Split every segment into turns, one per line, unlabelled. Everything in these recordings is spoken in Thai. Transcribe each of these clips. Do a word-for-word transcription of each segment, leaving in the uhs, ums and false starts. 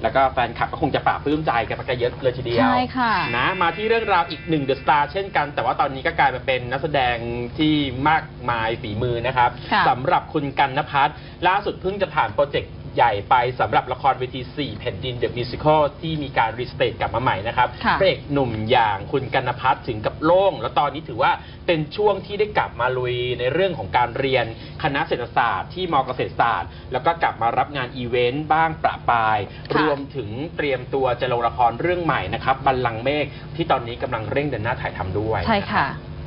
แล้วก็แฟนคลับก็คงจะปราบปลื้มใจกันไปเยอะเลยทีเดียวใช่ค่ะนะมาที่เรื่องราวอีกหนึ่งเดอะสตาร์เช่นกันแต่ว่าตอนนี้ก็กลายมาเป็นนักแสดงที่มากมายฝีมือนะครับสำหรับคุณกันณภัทรล่าสุดเพิ่งจะผ่านโปรเจกต์ใหญ่ไปสำหรับละครเวทีสี่แผ่นดิน The Musical ที่มีการรีสเตทกลับมาใหม่นะครับพระเอกหนุ่มอย่างคุณกันณภัทรถึงกับโล่งแล้วตอนนี้ถือว่าเป็นช่วงที่ได้กลับมาลุยในเรื่องของการเรียนคณะเศรษฐศาสตร์ที่ม.เกษตรศาสตร์แล้วก็กลับมารับงานอีเวนต์บ้างประปรายรวมถึงเตรียมตัวจะลงละครเรื่องใหม่นะครับบัลลังก์เมฆที่ตอนนี้กำลังเร่งเดินหน้าถ่ายทำด้วย
ใช่ค่ะ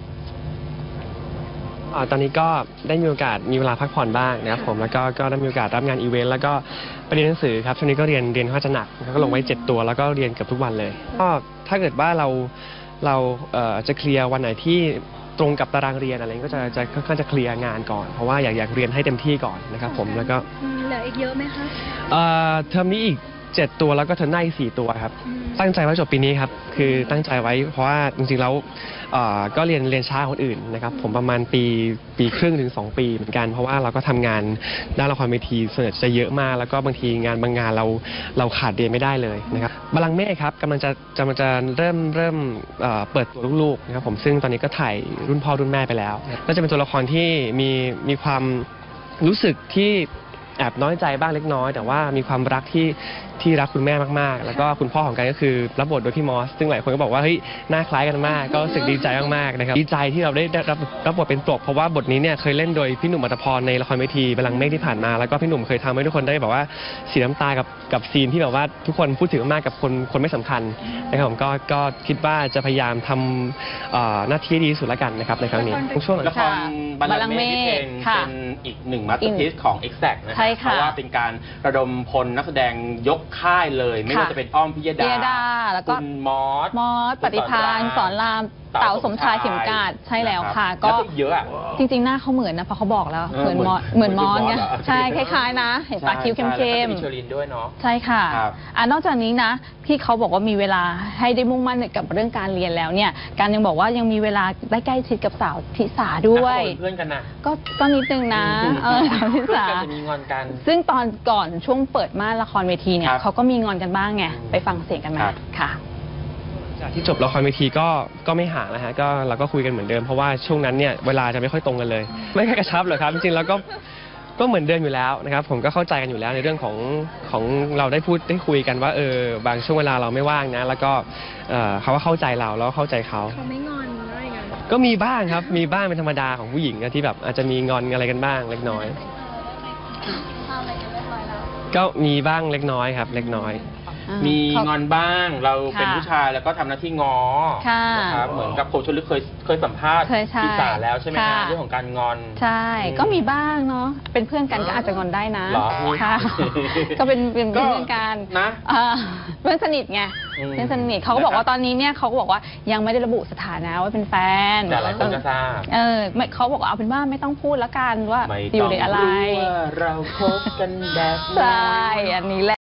ตอนนี้ก็ได้มีโอกาสมีเวลาพักผ่อนบ้างนะครับผมแล้วก็ก็ได้มีโอกาสรับงานอีเวนต์แล้วก็ไปเรียนหนังสือครับช่วงนี้ก็เรียนเรียนค่อนข้างจะหนักก็ลงไว้เจ็ดตัวแล้วก็เรียนเกือบทุกวันเลยก็ถ้าเกิดว่าเราเราจะเคลียร์วันไหนที่ตรงกับตารางเรียนอะไรก็จะจะค่อนข้างจะเคลียร์งานก่อนเพราะว่าอยากอยากเรียนให้เต็มที่ก่อนนะครับผมแล้วก็
เหลืออีกเยอะไหมคะ
เทอมนี้อีกเจ็ดตัวแล้วก็เทอมหน้าอีกสี่ตัวครับตั้งใจไว้จบปีนี้ครับคือตั้งใจไว้เพราะว่าจริงๆแล้วก็เรียนเรียนช้าคนอื่นนะครับผมประมาณปีปีครึ่งถึงสองปีเหมือนกันเพราะว่าเราก็ทำงานด้านละครเวทีส่วนใหญ่จะเยอะมากแล้วก็บางทีงานบางงานเราเราขาดเรียนไม่ได้เลยนะครับบัลลังก์เมฆครับกำลังจะกำลังจะเริ่มเริ่มเปิดตัวลูกๆนะครับผมซึ่งตอนนี้ก็ถ่ายรุ่นพ่อรุ่นแม่ไปแล้วก็จะเป็นตัวละครที่มีมีความรู้สึกที่แอบน้อยใจบ้างเล็กน้อยแต่ว่ามีความรักที่ที่รักคุณแม่มากๆแล้วก็คุณพ่อของกันก็คือรับบทโดยพี่มอสซึ่งหลายคนก็บอกว่าเฮ้ยหน้าคล้ายกันมากก็รู้สึกดีใจมากๆนะครับดีใจที่เราได้รับรับบทเป็นปลกเพราะว่าบทนี้เนี่ยเคยเล่นโดยพี่หนุ่มอัตภพรในละครเวทีบัลลังก์เมฆที่ผ่านมาแล้วก็พี่หนุ่มเคยทำให้ทุกคนได้แบบว่าเสียน้ำตากับกับซีนที่แบบว่าทุกคนพูดถึงมากกับคนคนไม่สำคัญนะครับผมก็ก็คิดว่าจะพยายามทำหน้าที่ดีที่สุดแล้วกันนะครับในครั้งนี้
ช่วงละครบัลลังก์เมฆเป็นอีกหนึ่งมาสเตอร์พีซของ Exact นะครับเพราะว่าเป็นการระดมพลนักแสดงยกค่ายเลยไม่ว่าจะเป็นอ้อมพิยดา
แล้วก็
คุณมอส
มอสปฏิภาณสอนรามเต๋าสมชายเข็มกาดใช่แล้วค่ะก็
เยอะ
จริงๆหน้าเขาเหมือนนะเพราะเขาบอกแล้วเหมือนมอสเหมือนมอสไงใช่คล้ายๆนะเห็นปากคิ้วเข้มๆ
มีเชอรินด้วยเนาะ
ใช่ค่ะอ่านอกจากนี้นะที่เขาบอกว่ามีเวลาให้ได้มุ่งมั่นกับเรื่องการเรียนแล้วเนี่ยการยังบอกว่ายังมีเวลาได้ใกล้ชิดกับสาวทิสาด้วย
เพื่อนกันนะ
ก็ก็นิดนึงนะเออสาวทิสา
จะมีงอนกัน
ซึ่งตอนก่อนช่วงเปิดม่านละครเวทีเนี่ยเขาก็มีงอนกันบ้างไงไปฟังเสียงกันมาค่ะ
จากที่จบละครเวทีก็ก็ไม่ห่างนะฮะก็เราก็คุยกันเหมือนเดิมเพราะว่าช่วงนั้นเนี่ยเวลาจะไม่ค่อยตรงกันเลยไม่ค่อยกระชับเลยครับจริงๆแล้วก็ก็เหมือนเดิมอยู่แล้วนะครับผมก็เข้าใจกันอยู่แล้วในเรื่องของของเราได้พูดได้คุยกันว่าเออบางช่วงเวลาเราไม่ว่างนะแล้วก็เขาก็เข้าใจเราแล้วเข้าใจเขา
เขาไม่งอนอะไรกัน
ก็มีบ้างครับมีบ้างเป็นธรรมดาของผู้หญิงที่แบบอาจจะมีงอนอะไรกันบ้างเล็กน้อยก็มีบ้างเล็กน้อยครับเล็กน้อย
มีงอนบ้างเราเป็นผู้ชายแล้วก็ทำหน้าที่ง้อนะครับเหมือนกับโคชลึกเคยเคยสัมภาษณ์พี่สาแล้วใช่ไหมคะเรื่องของการงอน
ใช่ก็มีบ้างเนาะเป็นเพื่อนกันก็อาจจะงอนได้นะ
ค่ะ
ก็เป็นเป็นเพื่อนกัน
นะ
เพื่อนสนิทไงเพื่อนสนิทเขาก็บอกว่าตอนนี้เนี่ยเขาก็บอกว่ายังไม่ได้ระบุสถานะว่าเป็นแฟน
แต่หลายคนก็ทราบ
เออเขาบอกว่าเอาเป็นว่าไม่ต้องพูดแล้วกันว่าอยู่ในอะไร
เราคบกันแบบ
ใช่อันนี้แหละ